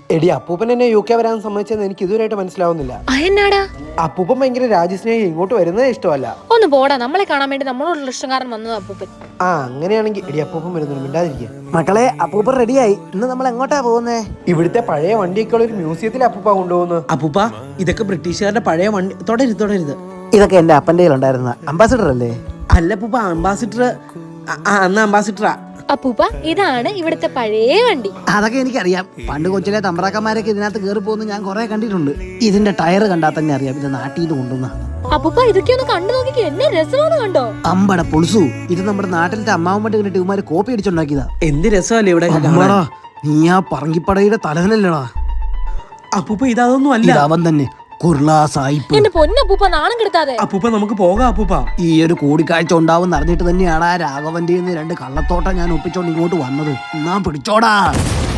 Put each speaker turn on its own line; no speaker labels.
എടി അപ്പൂപ്പൻ എന്നെ UK വരാൻ സമ്മതിച്ചെന്ന് എനിക്ക് ഇതുവരെയായിട്ട് മനസ്സിലാവുന്നില്ല.
അതെന്നാടാ?
അപ്പൂപ്പൻ ഭയങ്കര രാജ്യസ്നേഹി, ഇങ്ങോട്ട് വരുന്നതേ ഇഷ്ടമല്ല.
ഒന്ന് പോടാ, നമ്മളെ കാണാൻ വേണ്ടി നമ്മളോടുള്ള ഇഷ്ടക്കാരൻ വന്നത് അപ്പൂപ്പൻ.
അങ്ങനെയാണെങ്കിൽ എടി അപ്പൂപ്പൻ വരുന്നു, മിണ്ടാതിരിക്കുക.
മക്കളെ, അപ്പൂപ്പൻ റെഡിയായി. ഇന്ന് നമ്മൾ എങ്ങോട്ടാ പോകുന്നേ?
ഇവിടുത്തെ പഴയ വണ്ടിയൊക്കെ ഉള്ള ഒരു മ്യൂസിയത്തിൽ അപ്പൂപ്പ കൊണ്ടുപോകുന്നു.
അപ്പൂപ്പ, ഇതൊക്കെ ബ്രിട്ടീഷുകാരുടെ പഴയ വണ്ടി. തുടരുത്.
ഇതൊക്കെ എന്റെ അപ്പന്റെ കയ്യിലുണ്ടായിരുന്ന അംബാസിഡർ അല്ലേ?
അല്ല അപ്പൂപ്പ, അംബാസിഡർ അന്ന് അംബാസിഡറാ.
അപ്പൂപ്പ, ഇതാണ് ഇവിടുത്തെ പഴയ വണ്ടി.
അതൊക്കെ എനിക്കറിയാം. പണ്ട് കൊച്ചിലെ തമ്പ്രാക്കന്മാരൊക്കെ ഇതിനകത്ത് കയറി പോകുന്ന ഞാൻ കുറെ കണ്ടിട്ടുണ്ട്. ഇതിന്റെ ടയർ കണ്ടാൽ തന്നെ അറിയാം ഇത് നാട്ടിൽ നിന്ന് കൊണ്ടുവന്നതാണ്.
അപ്പൂപ്പ, ഇതൊക്കെ ഒന്ന് കണ്ടു നോക്കിക്കോ, എന്നെ രസമാണ് കണ്ടോ.
അമ്പട പൊളിസു, ഇത് നമ്മുടെ നാട്ടിലത്തെ അമ്മാവന്മാട്ട് കണ്ടിട്ട് ഇവന്മാര് കോപ്പി അടിച്ചുണ്ടാക്കിയതാ.
എന്ത് രസമല്ലേ ഇവിടെ
അമ്മടാ, നീ ആ പറങ്കിപ്പടയുടെ തലവനല്ലടാ.
അപ്പൂപ്പ, ഇതൊന്നും അല്ല.
അവൻ തന്നെ കുർളാ സായിപ്പ്.
എന്റെ പൊന്നപ്പൂപ്പ, നാണം കെടുത്താതെ.
അപ്പൂപ്പ, നമുക്ക് പോകാം. അപ്പൂപ്പ,
ഈ ഒരു കൂടിക്കാഴ്ച ഉണ്ടാവും അറിഞ്ഞിട്ട് തന്നെയാണ് ആ രാഘവന്റെ 2 കള്ളത്തോട്ടം ഞാൻ ഒപ്പിച്ചോണ്ട് ഇങ്ങോട്ട് വന്നത്. എന്നാ പിടിച്ചോടാ.